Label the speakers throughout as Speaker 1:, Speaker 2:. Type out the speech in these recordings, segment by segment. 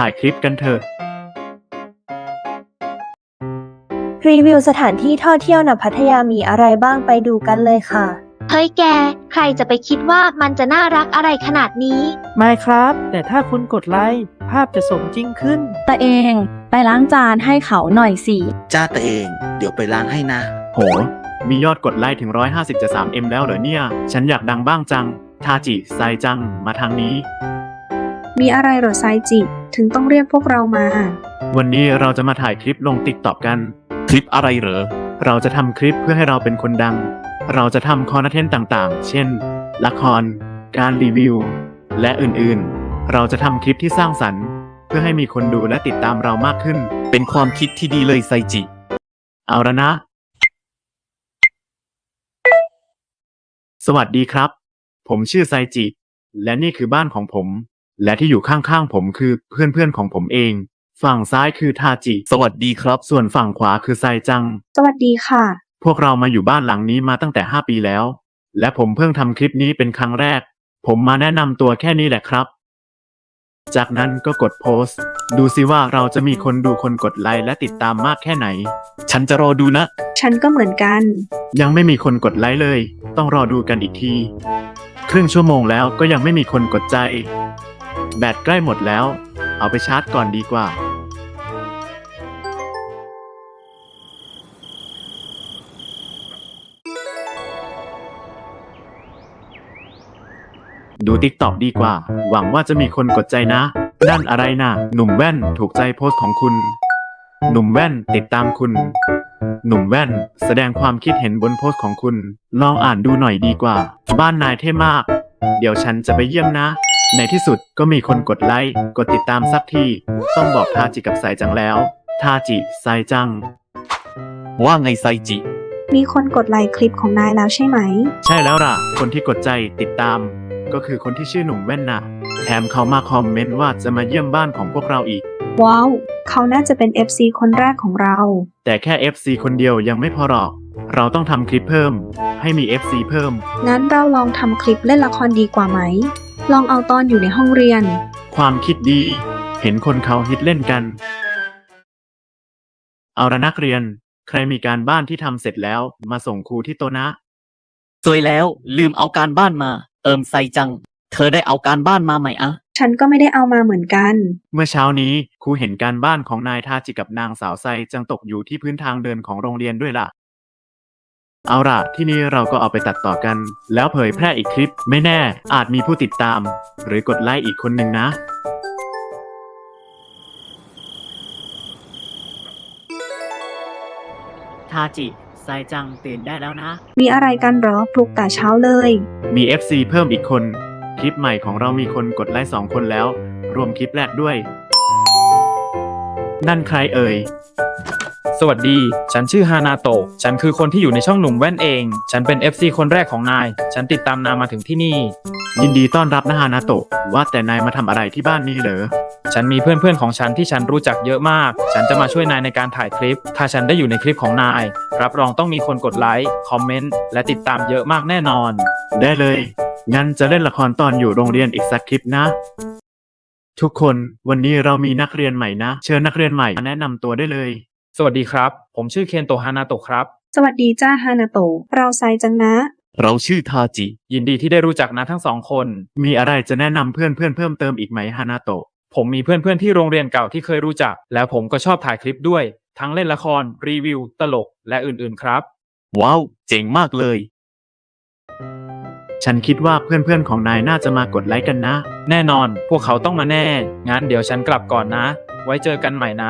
Speaker 1: ถ่ายคลิปกันเถอะ
Speaker 2: รีวิวสถานที่ท่องเที่ยวณพัทยามีอะไรบ้างไปดูกันเลยค่ะ
Speaker 3: เฮ้ยแก ใครจะไปคิดว่ามันจะน่ารักอะไรขนาดนี้
Speaker 4: ไม่ครับ แต่ถ้าคุณกดไลค์ภาพจะสมจริงขึ้น
Speaker 5: ตัวเองไปล้างจานให้เขาหน่อยสิ
Speaker 6: จ้าตัวเอง เดี๋ยวไปล้างให้นะ
Speaker 1: โห มียอดกดไลค์ถึง150จะ 3M แล้วเหรอเนี่ย ฉันอยากดังบ้างจัง ทาจิไซจัง มาทางนี้
Speaker 7: มีอะไรเหรอไซจิ ถึงต้องเรียกพวกเรามา
Speaker 1: วันนี้เราจะมาถ่ายคลิปลงติ๊กต็อกกัน
Speaker 6: คลิปอะไรเหรอ
Speaker 1: เราจะทำคลิปเพื่อให้เราเป็นคนดัง เราจะทำคอนเทนต์ต่างๆ เช่น ละคร การรีวิว และอื่นๆ เราจะทำคลิปที่สร้างสรรค์ เพื่อให้มีคนดูและติดตามเรามากขึ้น
Speaker 6: เป็นความคิดที่ดีเลยไซจิ
Speaker 1: เอาละนะ สวัสดีครับ ผมชื่อไซจิ และนี่คือบ้านของผม และที่อยู่ข้างๆผมคือเพื่อนๆของผมเอง ฝั่งซ้ายคือทาจิ
Speaker 6: สวัสดีครับ
Speaker 1: ส่วนฝั่งขวาคือไซจัง
Speaker 7: สวัสดีค่ะ
Speaker 1: พวกเรามาอยู่บ้านหลังนี้มาตั้งแต่5 ปีแล้ว และผมเพิ่งทำคลิปนี้เป็นครั้งแรก ผมมาแนะนำตัวแค่นี้แหละครับ จากนั้นก็กดโพสต์ ดูสิว่าเราจะมีคนดูคนกดไลค์และติดตามมากแค่ไหน
Speaker 6: ฉันจะรอดูนะ
Speaker 7: ฉันก็เหมือนกัน
Speaker 1: ยังไม่มีคนกดไลค์เลย ต้องรอดูกันอีกที ครึ่งชั่วโมงแล้วก็ยังไม่มีคนกดใจ แบตใกล้หมดแล้ว เอาไปชาร์จก่อนดีกว่า ดูติ๊กต็อกดีกว่า หวังว่าจะมีคนกดใจนะนั่นอะไรนะหนุ่มแว่นถูกใจโพสต์ของคุณ หนุ่มแว่นติดตามคุณ หนุ่มแว่นแสดงความคิดเห็นบนโพสต์ของคุณ ลองอ่านดูหน่อยดีกว่า บ้านนายเท่มาก เดี๋ยวฉันจะไปเยี่ยมนะ ในที่สุดก็มีคนกดไลค์กดติดตามสักที ต้องบอกทาจิกับไซจังแล้ว ทาจิไซจัง
Speaker 6: ว่าไงไซจิ
Speaker 7: มีคนกดไลค์คลิปของนายแล้วใช่ไหม
Speaker 1: ใช่แล้วล่ะ คนที่กดใจติดตาม ก็คือคนที่ชื่อหนุ่มแว่นน่ะ แถมเขามาคอมเมนต์ว่าจะมาเยี่ยมบ้านของพวกเราอีก
Speaker 7: ว้าว เขาน่าจะเป็น FC คนแรกของเรา
Speaker 1: แต่แค่ FC คนเดียวยังไม่พอหรอก เราต้องทำคลิปเพิ่ม ให้มี FC เพิ่ม
Speaker 7: งั้นเราลองทำคลิปเล่นละครดีกว่าไหม ลองเอาตอนอยู่ในห้องเรียน
Speaker 1: ความคิดดี เห็นคนเขาฮิตเล่นกัน เอาละนักเรียน ใครมีการบ้านที่ทำเสร็จแล้วมาส่งครูที่โต๊ะนะ
Speaker 8: สวยแล้วลืมเอาการบ้านมา ไซจัง เธอได้เอาการบ้านมาไหมอะ
Speaker 7: ฉันก็ไม่ได้เอามาเหมือนกัน
Speaker 1: เมื่อเช้านี้ครูเห็นการบ้านของนายทาจิกับนางสาวไซจังตกอยู่ที่พื้นทางเดินของโรงเรียนด้วยล่ะ เอาล่ะที่นี้เราก็เอาไปตัดต่อกัน แล้วเผยแพร่อีกคลิปไม่แน่อาจมีผู้ติดตาม หรือกดไลค์อีกคนหนึ่งนะ
Speaker 4: ทาจิไซจังตื่นได้แล้วนะ
Speaker 7: มีอะไรกันเหรอปลุกแต่เช้าเลย
Speaker 1: มี FC เพิ่มอีกคน คลิปใหม่ของเรามีคนกดไลค์2 คนแล้ว รวมคลิปแรกด้วย นั่นใครเอ่ย
Speaker 9: สวัสดี ฉันชื่อฮานาโตะ ฉันคือคนที่อยู่ในช่องหนุ่มแว่นเอง ฉันเป็น FC คนแรกของนาย ฉันติดตามนายมาถึงที่นี่
Speaker 1: ยินดีต้อนรับนะฮานาโตะ ว่าแต่นายมาทำอะไรที่บ้านนี้เหรอ
Speaker 9: ฉันมีเพื่อนๆของฉันที่ฉันรู้จักเยอะมาก ฉันจะมาช่วยนายในการถ่ายคลิป ถ้าฉันได้อยู่ในคลิปของนาย รับรองต้องมีคนกดไลค์ คอมเมนต์ และติดตามเยอะมากแน่นอน
Speaker 1: ได้เลย งั้นจะเล่นละครตอนอยู่โรงเรียนอีกสักคลิปนะ ทุกคนวันนี้เรามีนักเรียนใหม่นะ เชิญนักเรียนใหม่มาแนะนำตัวได้เลย
Speaker 9: สวัสดีครับ ผมชื่อเคนโตะฮานาโตะครับ
Speaker 7: สวัสดีจ้าฮานาโตะ เราไซจังนะ
Speaker 6: เราชื่อทาจิ
Speaker 9: ยินดีที่ได้รู้จักนะทั้งสองคน
Speaker 1: มีอะไรจะแนะนำเพื่อนเพิ่มเติมอีกไหมฮานาโตะ
Speaker 9: ผมมีเพื่อนๆที่โรงเรียนเก่าที่เคยรู้จัก แล้วผมก็ชอบถ่ายคลิปด้วย ทั้งเล่นละคร รีวิว ตลก และอื่นๆครับ
Speaker 6: ว้าว เจ๋งมากเลย
Speaker 1: ฉันคิดว่าเพื่อนของนายน่าจะมากดไลค์กันนะ
Speaker 9: แน่นอน พวกเขาต้องมาแน่ งั้นเดี๋ยวฉันกลับก่อนนะ ไว้เจอกันใหม่นะ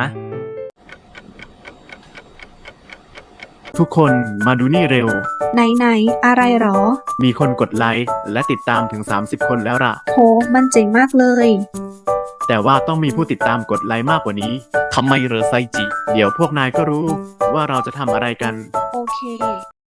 Speaker 1: ทุกคนมาดูนี่เร็ว
Speaker 7: ไหนอะไรหรอ
Speaker 1: มีคนกดไลค์และติดตามถึง30 คนแล้วล่ะ
Speaker 7: โห มันเจ๋งมากเลย
Speaker 1: แต่ว่าต้องมีผู้ติดตามกดไลค์มากกว่านี้
Speaker 6: ทำไมเหรอไซจิ
Speaker 1: เดี๋ยวพวกนายก็รู้ว่าเราจะทำอะไรกัน
Speaker 7: โอเค